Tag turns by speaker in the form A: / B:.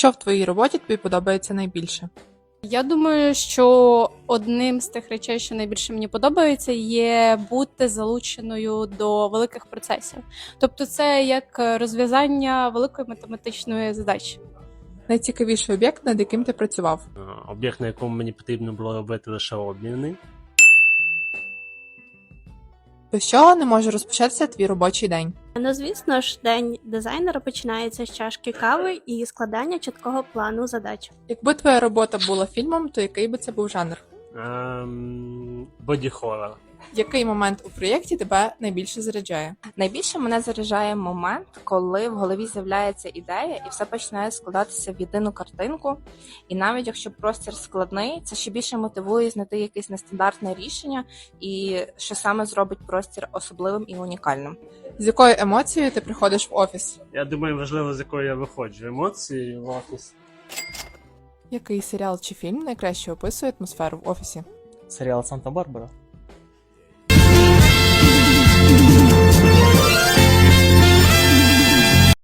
A: Що в твоїй роботі тобі подобається найбільше?
B: Я думаю, що одним з тих речей, що найбільше мені подобається, є бути залученою до великих процесів. Тобто це як розв'язання великої математичної задачі.
A: Найцікавіший об'єкт, над яким ти працював?
C: Об'єкт, на якому мені потрібно було робити лише обміни.
A: Без чого не може розпочатися твій робочий день?
D: Ну, звісно ж, день дизайнера починається з чашки кави і складання чіткого плану задач.
A: Якби твоя робота була фільмом, то який би це був жанр?
C: Боді-хоррор.
A: Який момент у проєкті тебе найбільше заряджає?
E: Найбільше мене заряджає момент, коли в голові з'являється ідея і все починає складатися в єдину картинку. І навіть якщо простір складний, це ще більше мотивує знайти якесь нестандартне рішення і що саме зробить простір особливим і унікальним.
A: З якою емоцією ти приходиш в офіс?
C: Я думаю, важливо, з якої я виходжу. Емоції в офіс.
A: Який серіал чи фільм найкраще описує атмосферу в офісі?
F: Серіал Санта-Барбара.